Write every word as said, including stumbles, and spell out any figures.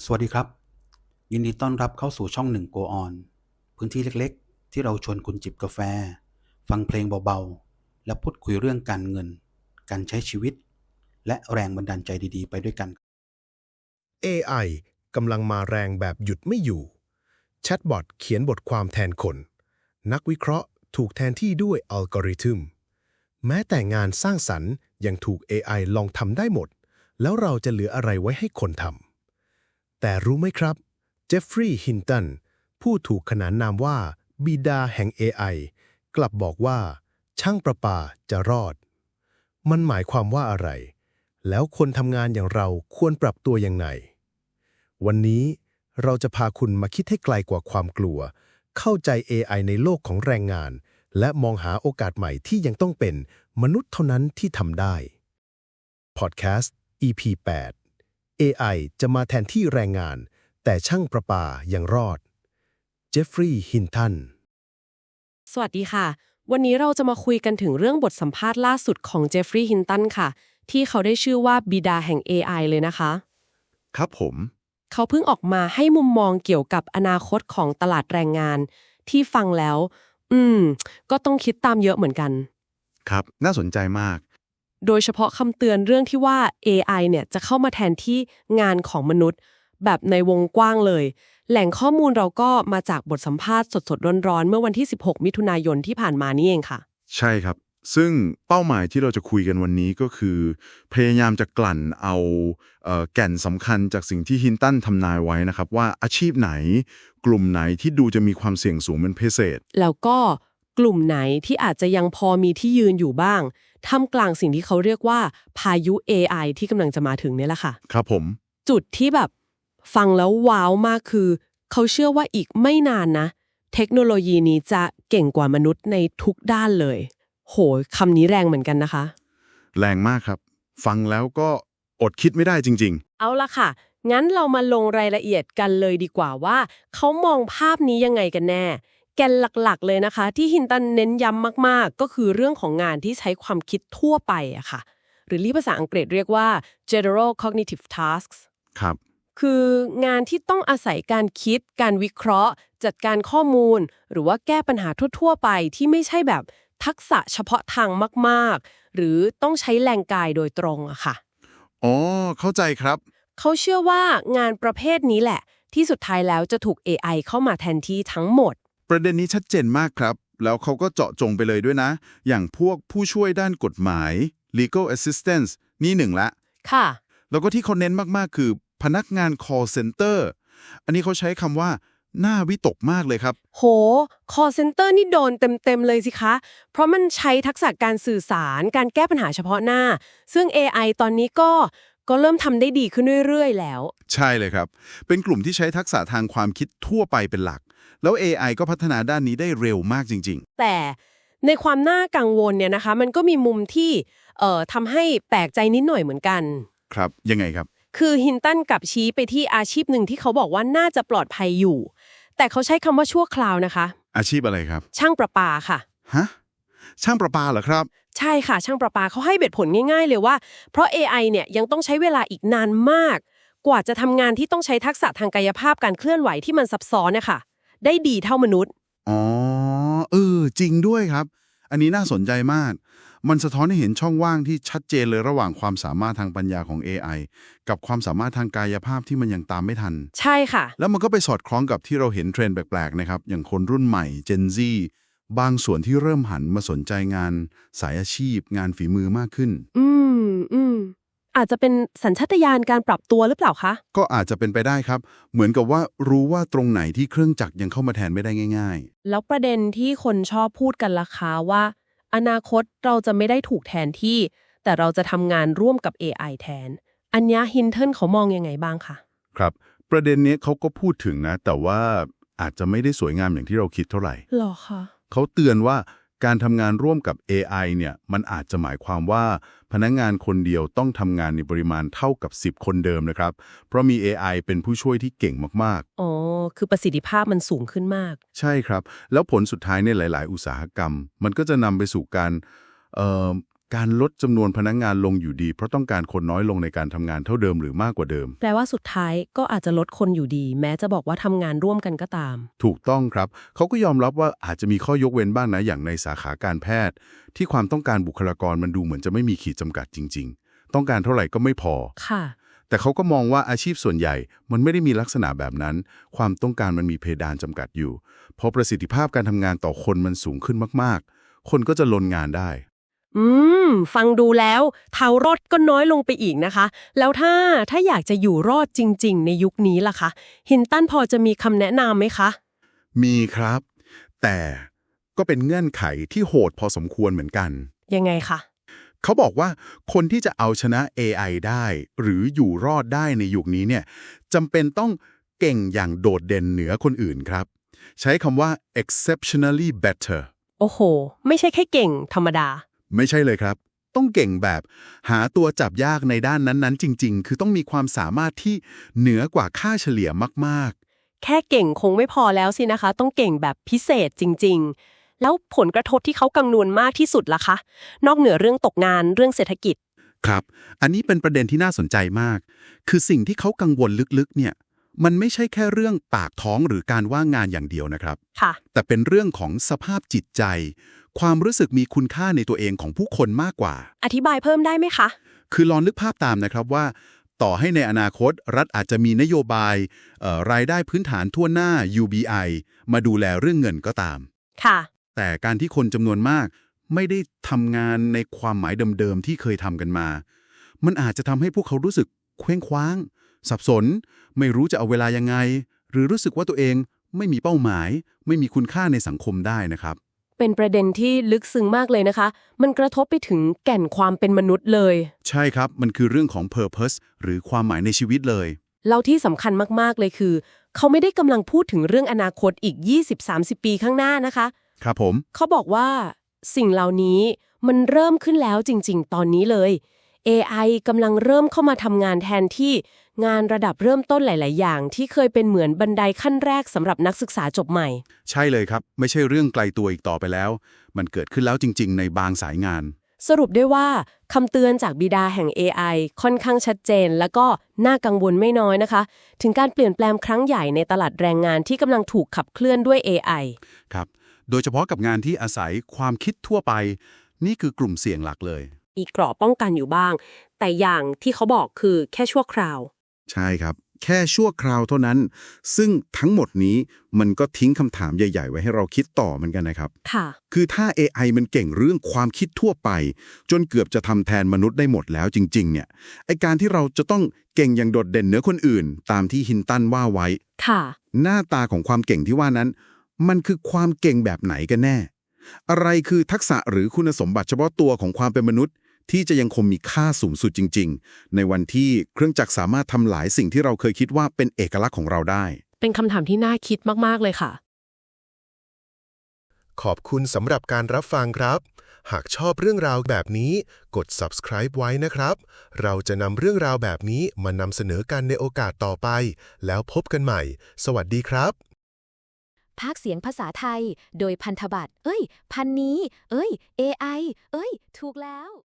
สวัสดีครับยินดีต้อนรับเข้าสู่ช่องหนึ่ง Go On พื้นที่เล็กๆที่เราชวนคุณจิบกาแฟฟังเพลงเบาๆและพูดคุยเรื่องการเงินการใช้ชีวิตและแรงบันดาลใจดีๆไปด้วยกันเอ ไอ กำลังมาแรงแบบหยุดไม่อยู่แชทบอทเขียนบทความแทนคน นักวิเคราะห์ถูกแทนที่ด้วยอัลกอริทึมแม้แต่งานสร้างสรรค์ยังถูก เอ ไอ ลองทำได้หมด แล้วเราจะเหลืออะไรไว้ให้คนทำแต่รู้ไหมครับเจฟฟรีย์ฮินตันผู้ถูกขนานนามว่าบิดาแห่ง เอ ไอ กลับบอกว่าช่างประปาจะรอด มันหมายความว่าอะไร แล้วคนทำงานอย่างเราควรปรับตัวยังไง วันนี้เราจะพาคุณมาคิดให้ไกลกว่าความกลัว เข้าใจ เอ ไอ ในโลกของแรงงาน และมองหาโอกาสใหม่ที่ยังต้องเป็นมนุษย์เท่านั้นที่ทำได้ พอดแคสต์ อี พี แปด เอ ไอ จะมาแทนที่แรงงาน แต่ช่างประปายังรอด เจฟฟรีย์ ฮินตันสวัสดีค่ะ วันนี้เราจะมาคุยกันถึงเรื่องบทสัมภาษณ์ล่าสุดของเจฟฟรีย์ ฮินตันค่ะ ที่เขาได้ชื่อว่าบิดาแห่ง เอ ไอ เลยนะคะครับผมเขาเพิ่งออกมาให้มุมมองเกี่ยวกับอนาคตของตลาดแรงงาน ที่ฟังแล้ว อืม ก็ต้องคิดตามเยอะเหมือนกันครับ น่าสนใจมากโดยเฉพาะคำเตือนเรื่องที่ว่า เอ ไอ เนี่ยจะเข้ามาแทนที่งานของมนุษย์ แบบในวงกว้างเลย แหล่งข้อมูลเราก็มาจากบทสัมภาษณ์สดๆร้อนๆเมื่อวันที่สิบหกมิถุนายนที่ผ่านมานี่เองค่ะใช่ครับ ซึ่งเป้าหมายที่เราจะคุยกันวันนี้ก็คือ พยายามจะกลั่นเอาเอ่อแก่นสำคัญจากสิ่งที่ฮินตันทำนายไว้นะครับว่าอาชีพไหน กลุ่มไหนที่ดูจะมีความเสี่ยงสูงเป็นพิเศษแล้วก็กลุ่มไหนที่อาจจะยังพอมีที่ยืนอยู่บ้างท่ามกลางสิ่งที่เขาเรียกว่าพายุ เอ ไอ ที่กำลังจะมาถึงเนี่ยแหละค่ะครับผมจุดที่แบบฟังแล้วว้าวมากคือ เขาเชื่อว่าอีกไม่นานนะ เทคโนโลยีนี้จะเก่งกว่ามนุษย์ในทุกด้านเลย โหคำนี้แรงเหมือนกันนะคะแรงมากครับ ฟังแล้วก็อดคิดไม่ได้จริงเอาละค่ะ งั้นเรามาลงรายละเอียดกันเลยดีกว่าว่าเขามองภาพนี้ยังไงกันแน่ แกนหลักๆเลยนะคะ ที่ฮินตันเน้นย้ำมากๆ ก็คือเรื่องของงานที่ใช้ความคิดทั่วไปอะค่ะ หรือที่ภาษาอังกฤษเรียกว่า general cognitive tasks ๆ ครับคืองานที่ต้องอาศัยการคิด การวิเคราะห์ จัดการข้อมูล หรือว่าแก้ปัญหาทั่วๆไปที่ไม่ใช่แบบทักษะเฉพาะทางมากๆ หรือต้องใช้แรงกายโดยตรงอะค่ะอ๋อ เข้าใจครับเขาเชื่อว่างานประเภทนี้แหละ ที่สุดท้ายแล้วจะถูก เอ ไอ เข้ามาแทนที่ทั้งหมดประเด็นนี้ชัดเจนมากครับ แล้วเขาก็เจาะจงไปเลยด้วยนะ อย่างพวกผู้ช่วยด้านกฎหมาย legal assistance นี่หนึ่งละค่ะแล้วก็ที่เขาเน้นมากๆ คือพนักงาน call center อันนี้เขาใช้คำว่าน่าวิตกมากเลยครับโห call center นี่โดนเต็มๆเลยสิคะ เพราะมันใช้ทักษะการสื่อสาร การแก้ปัญหาเฉพาะหน้า ซึ่ง เอ ไอ ตอนนี้ก็ก็เริ่มทำได้ดีขึ้นเรื่อยๆ แล้วใช่เลยครับ เป็นกลุ่มที่ใช้ทักษะทางความคิดทั่วไปเป็นหลัก แล้ว เอ ไอ ก็พัฒนาด้านนี้ได้เร็วมากจริงแต่ในความน่ากังวลเนี่ยนะคะ มันก็มีมุมที่เอ่อทำให้แปลกใจนิดหน่อยเหมือนกันๆ ครับ ยังไงครับคือฮินตันกลับชี้ไปที่อาชีพหนึ่งที่เขาบอกว่าน่าจะปลอดภัยอยู่ แต่เขาใช้คำว่าชั่วคราวนะคะอาชีพอะไรครับช่างประปาค่ะฮะ ช่างประปาเหรอครับใช่ค่ะ ช่างประปาเขาให้เหตุผลง่ายๆเลยว่า เพราะ เอ ไอ เนี่ยยังต้องใช้เวลาอีกนานมาก กว่าจะทำงานที่ต้องใช้ทักษะทางกายภาพการเคลื่อนไหวที่มันซับซ้อนนะคะได้ดีเท่ามนุษย์อ๋อ เออ จริงด้วยครับ อันนี้น่าสนใจมาก มันสะท้อนให้เห็นช่องว่างที่ชัดเจนเลยระหว่างความสามารถทางปัญญาของ เอ ไอ กับความสามารถทางกายภาพที่มันยังตามไม่ทันใช่ค่ะแล้วมันก็ไปสอดคล้องกับที่เราเห็นเทรนด์แปลกๆนะครับ อย่างคนรุ่นใหม่ Gen Z บางส่วนที่เริ่มหันมาสนใจงานสายอาชีพ งานฝีมือมากขึ้นอืมอืมอาจจะเป็นสัญชาตญาณการปรับตัวหรือเปล่าคะก็อาจจะเป็นไปได้ครับ เหมือนกับว่ารู้ว่าตรงไหนที่เครื่องจักรยังเข้ามาแทนไม่ได้ง่ายแล้วประเด็นที่คนชอบพูดกันล่ะคะว่า อนาคตเราจะไม่ได้ถูกแทนที่ แต่เราจะทำงานร่วมกับ เอ ไอ แทน อันเนี้ยฮินเทิลเขามองยังไงบ้างคะๆ ครับ ประเด็นนี้เขาก็พูดถึงนะ แต่ว่าอาจจะไม่ได้สวยงามอย่างที่เราคิดเท่าไหร่หรอคะเขาเตือนว่าการทำงานร่วมกับ เอ ไอ เนี่ยมันอาจจะหมายความว่าพนักงานคนเดียวต้องทำงานในปริมาณเท่ากับสิบคนเดิมนะครับ เพราะมี เอ ไอ เป็นผู้ช่วยที่เก่งมากอ๋อ คือประสิทธิภาพมันสูงขึ้นมากๆ ใช่ครับ แล้วผลสุดท้ายในหลาย ๆ อุตสาหกรรม มันก็จะนำไปสู่การเอ่อการลดจำนวนพนักงานลงอยู่ดีเพราะต้องการคนน้อยลงในการทำงานเท่าเดิมหรือมากกว่าเดิมแปลว่าสุดท้ายก็อาจจะลดคนอยู่ดี แม้จะบอกว่าทำงานร่วมกันก็ตามถูกต้องครับ เขาก็ยอมรับว่าอาจจะมีข้อยกเว้นบ้างนะอย่างในสาขาการแพทย์ ที่ความต้องการบุคลากรมันดูเหมือนจะไม่มีขีดจำกัดจริงๆ ต้องการเท่าไหร่ก็ไม่พอค่ะแต่เขาก็มองว่าอาชีพส่วนใหญ่มันไม่ได้มีลักษณะแบบนั้น ความต้องการมันมีเพดานจำกัดอยู่พอประสิทธิภาพการทำงานต่อคนมันสูงขึ้นมากๆ คนก็จะลนงานได้อืม ฟังดูแล้วเทารอดก็น้อยลงไปอีกนะคะ แล้วถ้าถ้าอยากจะอยู่รอดจริงๆในยุคนี้ล่ะคะฮินตันพอจะมีคำแนะนำไหมคะมีครับ แต่ก็เป็นเงื่อนไขที่โหดพอสมควรเหมือนกันยังไงคะเขาบอกว่าคนที่จะเอาชนะ เอ ไอ ได้ หรืออยู่รอดได้ในยุคนี้เนี่ยจำเป็นต้องเก่งอย่างโดดเด่นเหนือคนอื่นครับ ใช้คำว่า exceptionally better โอ้โห ไม่ใช่แค่เก่งธรรมดาไม่ใช่เลยครับ ต้องเก่งแบบหาตัวจับยากในด้านนั้นๆ จริงๆ คือต้องมีความสามารถที่เหนือกว่าค่าเฉลี่ยมากๆแค่เก่งคงไม่พอแล้วสินะคะ ต้องเก่งแบบพิเศษจริงๆ แล้วผลกระทบที่เขากังวลมากที่สุดล่ะคะ นอกเหนือเรื่องตกงานเรื่องเศรษฐกิจครับ อันนี้เป็นประเด็นที่น่าสนใจมาก คือสิ่งที่เขากังวลลึกๆ เนี่ย มันไม่ใช่แค่เรื่องปากท้องหรือการว่างงานอย่างเดียวนะครับค่ะแต่เป็นเรื่องของสภาพจิตใจ ความรู้สึกมีคุณค่าในตัวเองของผู้คนมากกว่าอธิบายเพิ่มได้ไหมคะคือลองนึกภาพตามนะครับว่า ต่อให้ในอนาคตรัฐอาจจะมีนโยบายเอ่อรายได้พื้นฐานทั่วหน้า ยู บี ไอ มาดูแลเรื่องเงินก็ตามค่ะแต่การที่คนจำนวนมากไม่ได้ทำงานในความหมายเดิมๆที่เคยทำกันมา มันอาจจะทำให้พวกเขารู้สึกเคว้งคว้าง สับสน ไม่รู้จะเอาเวลายังไง หรือรู้สึกว่าตัวเองไม่มีเป้าหมาย ไม่มีคุณค่าในสังคมได้นะครับเป็นประเด็นที่ลึกซึ้งมากเลยนะคะ มันกระทบไปถึงแก่นความเป็นมนุษย์เลยใช่ครับ มันคือเรื่องของ purpose หรือความหมายในชีวิตเลยแล้วที่สำคัญมากๆเลยคือ เขาไม่ได้กำลังพูดถึงเรื่องอนาคตอีก ยี่สิบถึงสามสิบ ปีข้างหน้านะคะครับผมเขาบอกว่าสิ่งเหล่านี้มันเริ่มขึ้นแล้วจริงๆ ตอนนี้เลย เอ ไอ กำลังเริ่มเข้ามาทำงานแทนที่งานระดับเริ่มต้นหลายๆ อย่าง ที่เคยเป็นเหมือนบันไดขั้นแรกสำหรับนักศึกษาจบใหม่ใช่เลยครับ ไม่ใช่เรื่องไกลตัวอีกต่อไปแล้ว มันเกิดขึ้นแล้วจริงๆ ในบางสายงานสรุปได้ว่าคำเตือนจากบิดาแห่ง เอ ไอ ค่อนข้างชัดเจน แล้วก็น่ากังวลไม่น้อยนะคะ ถึงการเปลี่ยนแปลงครั้งใหญ่ในตลาดแรงงานที่กำลังถูกขับเคลื่อนด้วย เอ ไอครับ โดยเฉพาะกับงานที่อาศัยความคิดทั่วไป นี่คือกลุ่มเสี่ยงหลักเลยมีกรอบป้องกันอยู่บ้าง แต่อย่างที่เขาบอกคือแค่ชั่วคราวใช่ครับ แค่ชั่วคราวเท่านั้น ซึ่งทั้งหมดนี้มันก็ทิ้งคำถามใหญ่ๆ ไว้ให้เราคิดต่อเหมือนกันนะครับค่ะคือถ้า เอ ไอ มันเก่งเรื่องความคิดทั่วไป จนเกือบจะทำแทนมนุษย์ได้หมดแล้วจริงๆ เนี่ย ไอการที่เราจะต้องเก่งอย่างโดดเด่นเหนือคนอื่น ตามที่ฮินตันว่าไว้ค่ะหน้าตาของความเก่งที่ว่านั้น มันคือความเก่งแบบไหนกันแน่ อะไรคือทักษะหรือคุณสมบัติเฉพาะตัวของความเป็นมนุษย์ ที่จะยังคงมีค่าสูงสุดจริงๆ ในวันที่เครื่องจักรสามารถทำหลายสิ่งที่เราเคยคิดว่าเป็นเอกลักษณ์ของเราได้เป็นคำถามที่น่าคิดมากๆเลยค่ะขอบคุณสำหรับการรับฟังครับ หากชอบเรื่องราวแบบนี้ กด subscribe ไว้นะครับ เราจะนำเรื่องราวแบบนี้มานำเสนอกันในโอกาสต่อไป แล้วพบกันใหม่ สวัสดีครับพากย์เสียงภาษาไทย โดยพันธบัตร เอ้ย พันนี้ เอ้ย เอ ไอ เอ้ย ถูกแล้ว